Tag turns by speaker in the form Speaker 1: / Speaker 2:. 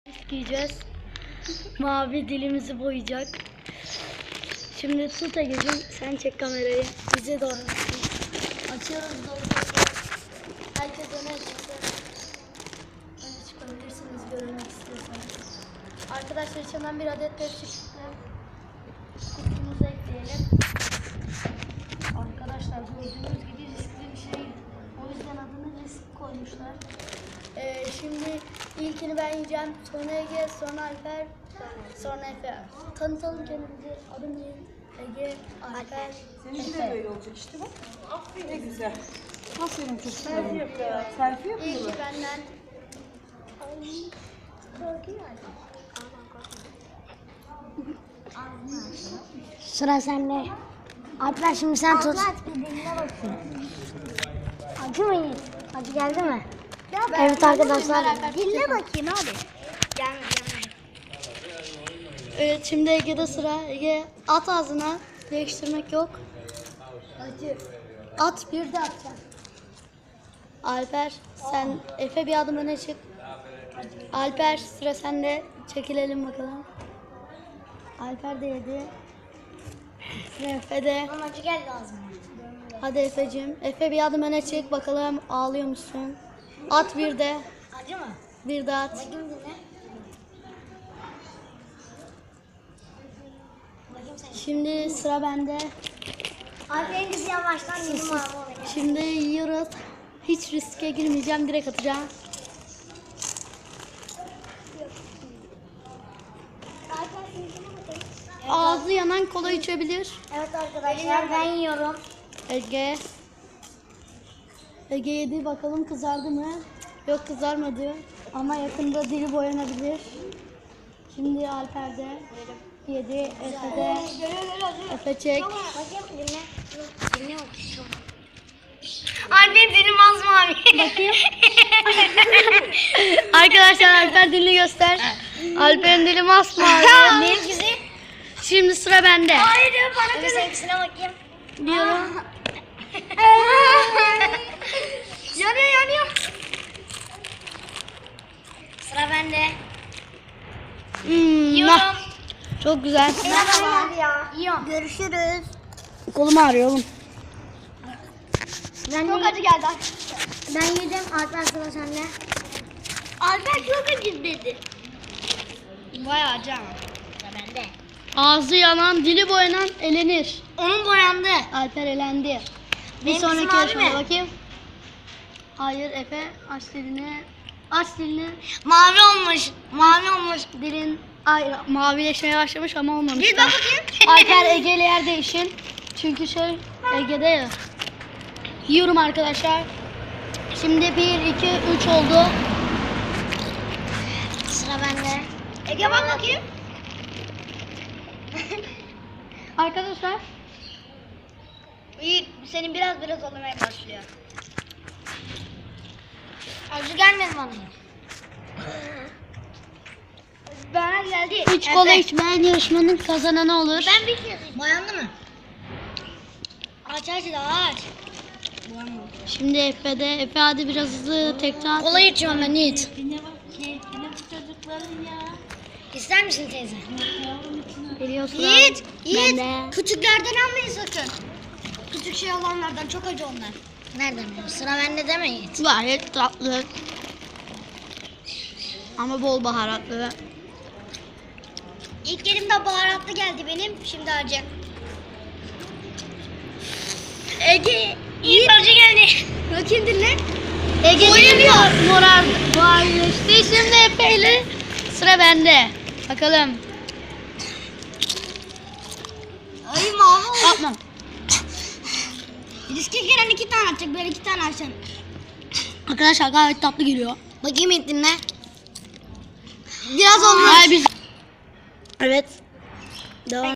Speaker 1: Giyeceğiz. Mavi dilimizi boyayacak. Şimdi tut Ege'cim, sen çek kamerayı. Bize doğru. Açıyoruz doğru. Herkes öne çıksın. Öne çıkabilirsiniz görmek istiyorsanız. Arkadaşlar içinden bir adet tepsi çıktı. Kutumuza ekleyelim. Arkadaşlar gördüğünüz gibi riskli bir şey. O yüzden adını risk koymuşlar. Şimdi ilkini ben yiyeceğim, sonra Ege, sonra Alper, sonra Efe. Tanıtalım kendimizi. Adım Ege, Alper,
Speaker 2: Seninki de böyle olacak işte bak. Aferin. Ne güzel. Aferin çocuklarım. Selfie yapıyor. Selfie yapıyor.
Speaker 1: İlki benden.
Speaker 3: Sıra sende. Alper şimdi sen tut. Acı mı Yiğit? Acı geldi mi? Evet arkadaşlar.
Speaker 1: Dinle bakayım abi. Evet, şimdi Ege'de sıra. Ege at ağzına. Değiştirmek yok. Acı. At, bir de atacaksın. Alper, sen Efe bir adım öne çık. Alper, sıra sende. Çekilelim bakalım. Alper de yedi. Sıra Efe'de.
Speaker 3: Acı geldi ağzıma.
Speaker 1: Hadi Efe'cim. Efe bir adım öne çık bakalım, ağlıyor musun? At bir de.
Speaker 3: Acı mı?
Speaker 1: Bir de at.
Speaker 3: Bakayım dinle. Bakayım sen.
Speaker 1: Şimdi sıra bende.
Speaker 3: Alper'in kızı yavaştan dilim ağzıma.
Speaker 1: Şimdi yiyoruz. Hiç riske girmeyeceğim. Direkt atacağım. Ağzı yanan kola içebilir.
Speaker 3: Evet arkadaşlar ben yiyorum.
Speaker 1: Ege. Ege yedi. Bakalım kızardı mı? Yok, kızarmadı. Ama yakında dili boyanabilir. Şimdi Alper'de. Yedi. Efe'de. Efe çek.
Speaker 3: Bakayım dinle. Dinle bakayım.
Speaker 2: Annem dilim az mavi.
Speaker 1: Bakayım. Arkadaşlar Alper dilini göster. Alper'in dili masmavi.
Speaker 3: Benim güzel.
Speaker 1: Şimdi sıra bende.
Speaker 3: Hayır bana kızım. Seninkisine bakayım.
Speaker 1: Diyorum.
Speaker 3: Yanıyor. Sıra bende.
Speaker 1: Yiyorum. Çok güzel.
Speaker 3: Merhaba. Yiyorum. Görüşürüz.
Speaker 1: Kolum ağrıyor oğlum.
Speaker 3: Çok acı geldi. Ben yedim. Alper sıra sende.
Speaker 1: Alper çok acı dedi.
Speaker 3: Bayağı acı ama. Sıra bende.
Speaker 1: Ağzı yanan, dili boyanan elenir.
Speaker 3: Onun boyandı.
Speaker 1: Alper elendi. Bir
Speaker 3: Benim
Speaker 1: sonraki
Speaker 3: kızım mavi
Speaker 1: yarışmaya
Speaker 3: mi?
Speaker 1: bakayım. Hayır Efe, aç dilini. Aç dilini.
Speaker 3: Mavi olmuş. Mavi olmuş.
Speaker 1: Dilin mavileşmeye başlamış ama olmamış.
Speaker 3: Bir bak bakayım.
Speaker 1: Alper Ege ile yer değişin. Çünkü Ege'de ya. Yiyorum arkadaşlar. Şimdi 1, 2, 3 oldu.
Speaker 3: Sıra bende. Ege bak bakayım.
Speaker 1: Arkadaşlar.
Speaker 3: İyi, senin biraz olmaya başlıyor. Acı gelmedi bana. Bana geldi.
Speaker 1: 3 kola içmeyen yarışmanın kazananı olur.
Speaker 3: Ben bir kez. Boyandı mı? Aç daha aç.
Speaker 1: Şimdi Efe'de. Efe hadi biraz hızlı tekrar.
Speaker 3: Kola içiyorum ben Yiğit.
Speaker 1: Ne bak keyfine bu çocukların ya.
Speaker 3: İster misin teyze?
Speaker 1: Geliyorsun.
Speaker 3: Yiğit.
Speaker 1: Ben de.
Speaker 3: Küçüklerden almayın sakın. Küçük şey olanlardan çok acı onlar. Nereden biliyorsun? Sıra bende deme Yiğit.
Speaker 1: Gayet tatlı. Ama bol baharatlı.
Speaker 3: İlk elimde baharatlı geldi benim. Şimdi acı. Ege. İyi acı geldi. Bakayım dinle.
Speaker 1: Ege'nin morarleşti. Şimdi Efe ile sıra bende. Bakalım.
Speaker 3: Ay mavi oldu.
Speaker 1: Yapma.
Speaker 3: Riske giren 2 tane atacak. Ben 2 tane açacağım.
Speaker 1: Arkadaşlar gayet tatlı geliyor.
Speaker 3: Bakayım Yiğit dinle. Biraz olmuş.
Speaker 1: Hayır biz. Evet. Devam.